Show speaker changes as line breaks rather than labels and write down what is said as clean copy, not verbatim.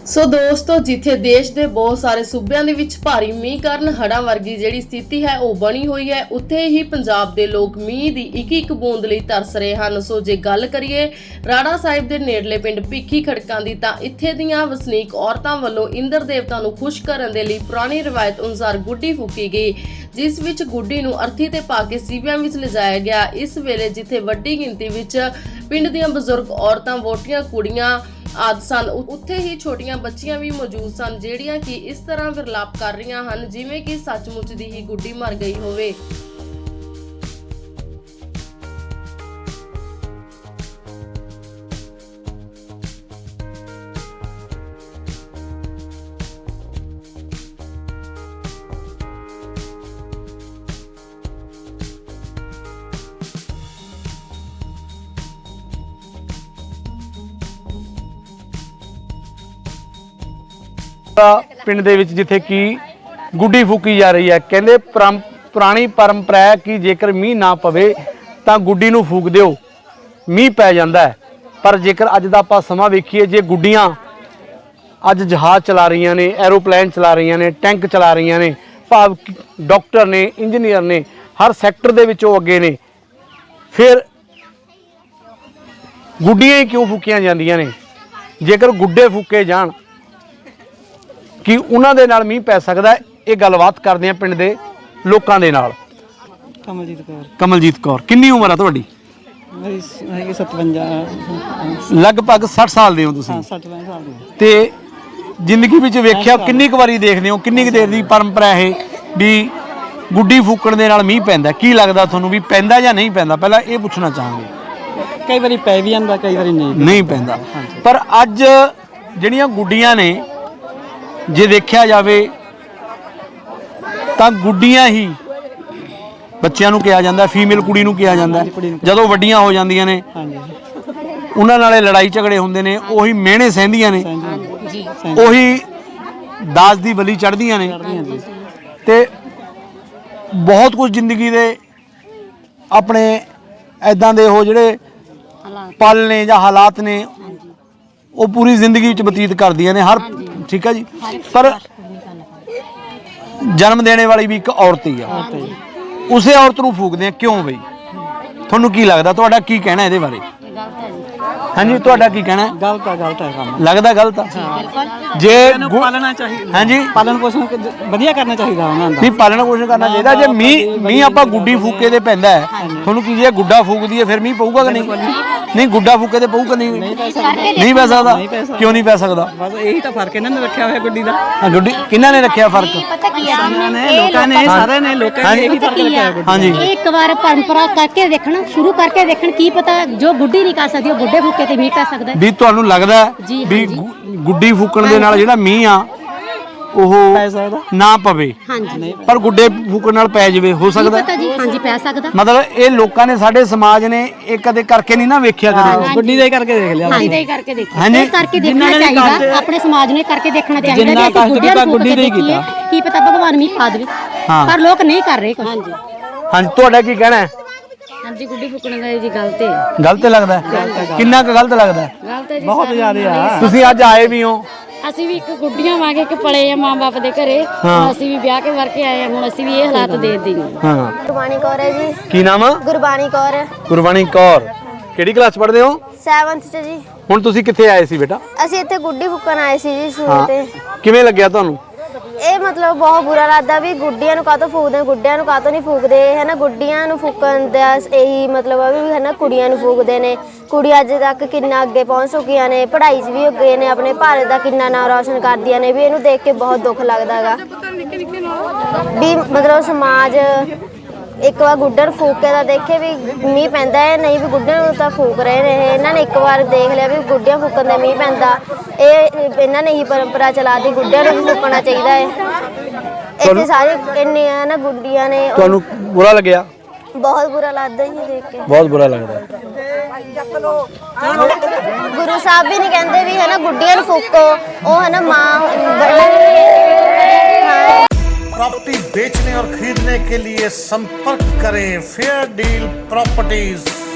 ਸੋ ਦੋਸਤੋ, ਜਿੱਥੇ ਦੇਸ਼ ਦੇ ਬਹੁਤ ਸਾਰੇ ਸੂਬਿਆਂ ਦੇ ਵਿੱਚ ਭਾਰੀ ਮੀਂਹ ਕਾਰਨ ਹੜ੍ਹਾਂ ਵਰਗੀ ਜਿਹੜੀ ਸਥਿਤੀ ਹੈ ਉਹ ਬਣੀ ਹੋਈ ਹੈ, ਉੱਥੇ ਹੀ ਪੰਜਾਬ ਦੇ ਲੋਕ ਮੀਂਹ ਦੀ ਇੱਕ ਇੱਕ ਬੂੰਦ ਲਈ ਤਰਸ ਰਹੇ ਹਨ। ਸੋ ਜੇ ਗੱਲ ਕਰੀਏ ਰਾੜਾ ਸਾਹਿਬ ਦੇ ਨੇੜਲੇ ਪਿੰਡ ਭਿੱਖੀ ਖੜਕਾਂ ਦੀ, ਤਾਂ ਇੱਥੇ ਦੀਆਂ ਵਸਨੀਕ ਔਰਤਾਂ ਵੱਲੋਂ ਇੰਦਰ ਦੇਵਤਾ ਨੂੰ ਖੁਸ਼ ਕਰਨ ਦੇ ਲਈ ਪੁਰਾਣੀ ਰਵਾਇਤ ਅਨੁਸਾਰ ਗੁੱਡੀ ਫੂਕੀ ਗਈ, ਜਿਸ ਵਿੱਚ ਗੁੱਡੀ ਨੂੰ ਅਰਥੀ ਤੇ ਪਾ ਕੇ ਸੀਵਿਆਂ ਵਿੱਚ ਲਿਜਾਇਆ ਗਿਆ। ਇਸ ਵੇਲੇ ਜਿੱਥੇ ਵੱਡੀ ਗਿਣਤੀ ਵਿੱਚ ਪਿੰਡ ਦੀਆਂ ਬਜ਼ੁਰਗ ਔਰਤਾਂ, ਵੋਟੀਆਂ, ਕੁੜੀਆਂ ਆਦਿ ਸਨ, ਉੱਥੇ ਹੀ ਛੋਟੀਆਂ ਬੱਚੀਆਂ ਵੀ ਮੌਜੂਦ ਸਨ, ਜਿਹੜੀਆਂ ਕਿ ਇਸ ਤਰ੍ਹਾਂ ਵਿਰਲਾਪ ਕਰ ਰਹੀਆਂ ਹਨ ਜਿਵੇਂ ਕਿ ਸੱਚਮੁੱਚ ਦੀ ਹੀ ਗੁੱਡੀ ਮਰ ਗਈ ਹੋਵੇ।
ਪਿੰਡ ਦੇ ਵਿੱਚ ਜਿੱਥੇ ਕਿ ਗੁੱਡੀ ਫੂਕੀ ਜਾ ਰਹੀ ਹੈ, ਕਹਿੰਦੇ ਪੁਰਾਣੀ ਪਰੰਪਰਾ ਹੈ ਕਿ ਜੇਕਰ ਮੀਂਹ ਨਾ ਪਵੇ ਤਾਂ ਗੁੱਡੀ ਨੂੰ ਫੂਕ ਦਿਓ, ਮੀਂਹ ਪੈ ਜਾਂਦਾ ਹੈ। ਪਰ ਜੇਕਰ ਅੱਜ ਦਾ ਆਪਾਂ ਸਮਾਂ ਵੇਖੀਏ, ਜੇ ਗੁੱਡੀਆਂ ਅੱਜ ਜਹਾਜ਼ ਚਲਾ ਰਹੀਆਂ ਨੇ, ਐਰੋਪਲੇਨ ਚਲਾ ਰਹੀਆਂ ਨੇ, ਟੈਂਕ ਚਲਾ ਰਹੀਆਂ ਨੇ, ਭਾਵ ਡਾਕਟਰ ਨੇ, ਇੰਜੀਨੀਅਰ ਨੇ, ਹਰ ਸੈਕਟਰ ਦੇ ਵਿੱਚ ਉਹ ਅੱਗੇ ਨੇ, ਫਿਰ ਗੁੱਡੀਆਂ ਹੀ ਕਿਉਂ ਫੂਕੀਆਂ ਜਾਂਦੀਆਂ ਨੇ? ਜੇਕਰ ਗੁੱਡੇ ਫੂਕੇ ਜਾਣ ਕਿ ਉਹਨਾਂ ਦੇ ਨਾਲ ਮੀਂਹ ਪੈ ਸਕਦਾ ਹੈ। ਇਹ ਗੱਲਬਾਤ ਕਰਦੇ ਆ ਪਿੰਡ ਦੇ ਲੋਕਾਂ ਦੇ ਨਾਲ। ਕਮਲਜੀਤ ਕੌਰ, ਕਿੰਨੀ ਉਮਰ ਆ ਤੁਹਾਡੀ?
ਮੇਰੀ 57
ਲਗਭਗ 60 ਸਾਲ ਦੇ ਹੋ ਤੁਸੀਂ।
ਹਾਂ 65 ਸਾਲ ਦੀ।
ਤੇ ਜ਼ਿੰਦਗੀ ਵਿੱਚ ਵੇਖਿਆ ਕਿੰਨੀ ਕੁ ਵਾਰੀ ਦੇਖਦੇ ਹੋ, ਕਿੰਨੀ ਕੁ ਦੇਰ ਦੀ ਪਰੰਪਰਾ ਇਹ ਵੀ ਗੁੱਡੀ ਫੂਕਣ ਦੇ ਨਾਲ ਮੀਂਹ ਪੈਂਦਾ? ਕੀ ਲੱਗਦਾ ਤੁਹਾਨੂੰ ਵੀ ਪੈਂਦਾ ਜਾਂ ਨਹੀਂ ਪੈਂਦਾ? ਪਹਿਲਾਂ ਇਹ ਪੁੱਛਣਾ ਚਾਹਾਂਗੇ।
ਕਈ ਵਾਰੀ ਪੈ ਵੀ ਜਾਂਦਾ, ਕਈ ਵਾਰੀ
ਨਹੀਂ ਪੈਂਦਾ। ਪਰ ਅੱਜ ਜਿਹੜੀਆਂ ਗੁੱਡੀਆਂ ਨੇ, ਜੇ ਦੇਖਿਆ ਜਾਵੇ ਤਾਂ ਗੁੱਡੀਆਂ ਹੀ ਬੱਚਿਆਂ ਨੂੰ ਕਿਹਾ ਜਾਂਦਾ, ਫੀਮੇਲ ਕੁੜੀ ਨੂੰ ਕਿਹਾ ਜਾਂਦਾ। ਜਦੋਂ ਵੱਡੀਆਂ ਹੋ ਜਾਂਦੀਆਂ ਨੇ ਉਹਨਾਂ ਨਾਲੇ ਲੜਾਈ ਝਗੜੇ ਹੁੰਦੇ ਨੇ, ਉਹੀ ਮਿਹਣੇ ਸਹਿੰਦੀਆਂ ਨੇ, ਉਹੀ ਦਾਜ ਦੀ ਬਲੀ ਚੜ੍ਹਦੀਆਂ ਨੇ, ਤੇ ਬਹੁਤ ਕੁਝ ਜ਼ਿੰਦਗੀ ਦੇ ਆਪਣੇ ਐਦਾਂ ਦੇ ਉਹ ਜਿਹੜੇ ਪਲ ਨੇ ਜਾਂ ਹਾਲਾਤ ਨੇ, ਉਹ ਪੂਰੀ ਜ਼ਿੰਦਗੀ ਵਿੱਚ ਬਤੀਤ ਕਰਦੀਆਂ ਨੇ ਹਰ। ਠੀਕ ਹੈ ਜੀ, ਪਰ ਜਨਮ ਦੇਣੇ ਵਾਲੀ ਵੀ ਇੱਕ ਔਰਤ ਹੀ ਆ, ਉਸੇ ਔਰਤ ਨੂੰ ਫੂਕਦੇ ਆ ਕਿਉਂ ਬਈ? ਤੁਹਾਨੂੰ ਕੀ ਲੱਗਦਾ? ਤੁਹਾਡਾ ਕੀ ਕਹਿਣਾ ਇਹਦੇ ਬਾਰੇ? ਹਾਂਜੀ, ਤੁਹਾਡਾ ਕੀ ਕਹਿਣਾ?
ਗਲਤ ਹੈ ਕੰਮ।
ਲੱਗਦਾ ਗਲਤ ਆ? ਜੇ
ਪਾਲਣਾ ਚਾਹੀਦਾ।
ਹਾਂਜੀ,
ਪਾਲਣ ਪੋਸ਼ਣ ਵਧੀਆ ਕਰਨਾ ਚਾਹੀਦਾ ਉਹਨਾਂ ਦਾ।
ਨਹੀਂ, ਪਾਲਣ ਪੋਸ਼ਣ ਕਰਨਾ ਚਾਹੀਦਾ। ਜੇ ਮੀਂਹ ਆਪਾਂ ਗੁੱਡੀ ਫੂਕੇ ਤੇ ਪੈਂਦਾ ਹੈ, ਤੁਹਾਨੂੰ ਕੀ ਜੇ ਗੁੱਡਾ ਫੂਕਦੀ ਹੈ ਫਿਰ ਮੀਂਹ ਪਊਗਾ ਕਿ ਨਹੀਂ? ਨਹੀਂ, ਗੁੱਡਾ ਫੂਕੇ ਤੇ ਪਊਗਾ ਨਹੀਂ? ਨਹੀਂ ਪੈ ਸਕਦਾ। ਕਿਉਂ ਨਹੀਂ ਪੈ ਸਕਦਾ?
ਬਸ ਇਹੀ ਤਾਂ ਫਰਕ ਇਹਨਾਂ ਨੇ ਰੱਖਿਆ ਹੋਇਆ ਗੁੱਡੀ ਦਾ।
ਗੁੱਡੀ ਕਿਹਨਾਂ ਨੇ ਰੱਖਿਆ ਫਰਕ?
ਲੋਕਾਂ ਨੇ, ਸਾਰੇ ਨੇ, ਲੋਕਾਂ ਨੇ ਇਹੀ ਫਰਕ ਰੱਖਿਆ ਗੁੱਡੀ।
ਹਾਂਜੀ,
ਇੱਕ ਵਾਰ ਪਰੰਪਰਾ ਕਰਕੇ ਦੇਖਣ, ਸ਼ੁਰੂ ਕਰਕੇ ਦੇਖਣ, ਕੀ ਪਤਾ ਜੋ ਗੁੱਡੀ ਨਹੀਂ ਕਰ ਸਕਦੀ ਉਹ ਗੁੱਡੇ ਫੂਕੇ ਤੇ ਮੀਂਹ ਪੈ ਸਕਦਾ।
ਵੀ ਤੁਹਾਨੂੰ ਲੱਗਦਾ ਵੀ ਗੁੱਡੀ ਫੂਕਣ ਦੇ ਨਾਲ ਜਿਹੜਾ ਮੀਂਹ ਆ ਉਹ ਨਾ ਪਵੇ, ਪਰ ਗੁੱਡੇ ਫੂਕਣ ਨਾਲ ਪੈ ਜਾਵੇ? ਹੋ ਸਕਦਾ
ਜੀ, ਹਾਂਜੀ ਪੈ ਸਕਦਾ।
ਮਤਲਬ ਇਹ ਲੋਕਾਂ ਨੇ, ਸਾਡੇ ਸਮਾਜ ਨੇ ਇਹ ਕਦੇ ਕਰਕੇ ਨਹੀਂ ਨਾ ਵੇਖਿਆ ਕਦੇ।
ਗੁੱਡੀ ਦਾ ਹੀ ਕਰਕੇ ਦੇਖ ਲਿਆ।
ਹਾਂਜੀ, ਕਰਕੇ ਦੇਖਿਆ।
ਹਾਂਜੀ,
ਕਰਕੇ ਦੇਖਣਾ ਚਾਹੀਦਾ, ਆਪਣੇ ਸਮਾਜ ਨੇ ਕਰਕੇ ਦੇਖਣਾ ਚਾਹੀਦਾ। ਜੇ ਅਸੀਂ ਗੁੱਡੀ ਦੇ ਕੀਤਾ, ਕੀ ਪਤਾ ਭਗਵਾਨ ਮੀਂਹ ਪਾ ਦੇਵੇ, ਪਰ ਲੋਕ ਨਹੀਂ ਕਰ ਰਹੇ। ਹਾਂਜੀ
ਹਾਂਜੀ, ਤੁਹਾਡਾ ਕੀ ਕਹਿਣਾ ਹੈ?
ਹਾਂਜੀ, ਗੁੱਡੀ ਫੂਕਣ ਦਾ ਜੀ ਗਲਤ ਹੈ।
ਗਲਤ ਲੱਗਦਾ? ਕਿੰਨਾ ਕੁ ਗਲਤ ਲੱਗਦਾ?
ਗਲਤ ਹੈ ਜੀ,
ਬਹੁਤ ਜ਼ਿਆਦਾ ਆ।
ਤੁਸੀਂ ਅੱਜ ਆਏ ਵੀ ਹੋ?
ਅਸੀਂ ਵੀ ਇੱਕ ਗੁੱਡੀਆਂ ਵਾਂਗੇ ਇੱਕ ਪਲੇ ਆ ਮਾਂ ਬਾਪ ਦੇ ਘਰੇ, ਅਸੀਂ ਵੀ ਵਿਆਹ ਕੇ ਵਰ ਕੇ ਆਏ ਆ, ਹੁਣ ਅਸੀਂ ਵੀ ਇਹ ਹਾਲਾਤ ਦੇਖਦੇ ਹਾਂ।
ਹਾਂ,
ਗੁਰਬਾਣੀ ਕੌਰ ਹੈ ਜੀ।
ਕੀ ਨਾਮ ਆ?
ਗੁਰਬਾਣੀ ਕੌਰ।
ਗੁਰਬਾਣੀ ਕੌਰ, ਕਿਹੜੀ ਕਲਾਸ ਪੜ੍ਹਦੇ ਹੋ?
7th ਚ ਜੀ।
ਹੁਣ ਤੁਸੀਂ ਕਿੱਥੇ ਆਏ ਸੀ ਬੇਟਾ?
ਅਸੀਂ ਇੱਥੇ ਗੁੱਡੀ ਫੂਕਣ ਆਏ ਸੀ ਜੀ ਸ਼ੁਰੂ ਤੇ।
ਕਿਵੇਂ ਲੱਗਿਆ ਤੁਹਾਨੂੰ?
ਇਹ ਮਤਲਬ ਬਹੁਤ ਬੁਰਾ ਲੱਗਦਾ ਵੀ ਗੁੱਡੀਆਂ ਨੂੰ ਕਾਹਤੋਂ ਫੂਕਦੇ, ਗੁੱਡਿਆਂ ਨੂੰ ਕਾਹਤੋਂ ਨਹੀਂ ਫੂਕਦੇ, ਹੈ ਨਾ। ਗੁੱਡੀਆਂ ਨੂੰ ਫੂਕਣ ਦਾ ਇਹੀ ਮਤਲਬ ਆ ਵੀ ਹੈ ਨਾ, ਕੁੜੀਆਂ ਨੂੰ ਫੂਕਦੇ ਨੇ। ਕੁੜੀ ਅੱਜ ਤੱਕ ਕਿੰਨਾ ਅੱਗੇ ਪਹੁੰਚ ਚੁੱਕੀਆਂ ਨੇ, ਪੜ੍ਹਾਈ 'ਚ ਵੀ ਅੱਗੇ ਨੇ, ਆਪਣੇ ਭਾਰਤ ਦਾ ਕਿੰਨਾ ਨਾਮ ਰੌਸ਼ਨ ਕਰਦੀਆਂ ਨੇ। ਵੀ ਇਹਨੂੰ ਦੇਖ ਕੇ ਬਹੁਤ ਦੁੱਖ ਲੱਗਦਾ ਹੈਗਾ ਵੀ ਮਤਲਬ ਸਮਾਜ ਇੱਕ ਵਾਰ ਗੁੱਡਰ ਫੂਕ ਕੇ ਤਾਂ ਦੇਖੇ ਵੀ ਮੀਂਹ ਪੈਂਦਾ ਹੈ, ਨਹੀਂ ਵੀ ਗੁੱਡਿਆਂ ਨੂੰ ਤਾਂ ਫੂਕ ਰਹੇ ਨੇ। ਇਹਨਾਂ ਨੇ ਇੱਕ ਵਾਰ ਦੇਖ ਲਿਆ ਵੀ ਗੁੱਡਿਆਂ ਫੂਕਣ ਦਾ ਮੀਂਹ ਪੈਂਦਾ, ਇਹਨਾਂ ਨੇ ਹੀ ਪਰੰਪਰਾ ਚਲਾ ਦਿੱਤੀ, ਗੁੱਡਿਆਂ ਨੂੰ ਵੀ ਫੂਕਣਾ ਚਾਹੀਦਾ ਹੈ। ਇੱਥੇ ਸਾਰੇ ਇੰਨੀਆਂ ਨਾ ਗੁੱਡੀਆਂ ਨੇ। ਤੁਹਾਨੂੰ
ਬੁਰਾ ਲੱਗਿਆ?
ਬਹੁਤ ਬੁਰਾ ਲੱਗਦਾ ਜੀ ਦੇਖ ਕੇ,
ਬਹੁਤ ਬੁਰਾ ਲੱਗਦਾ।
ਗੁਰੂ ਸਾਹਿਬ ਵੀ ਨਹੀਂ ਕਹਿੰਦੇ ਵੀ ਹੈ ਨਾ ਗੁੱਡੀਆਂ ਨੂੰ ਫੂਕੋ, ਉਹ है ना माँ।
प्रॉपर्टी बेचने और खरीदने के लिए संपर्क करें फेयर डील प्रॉपर्टीज।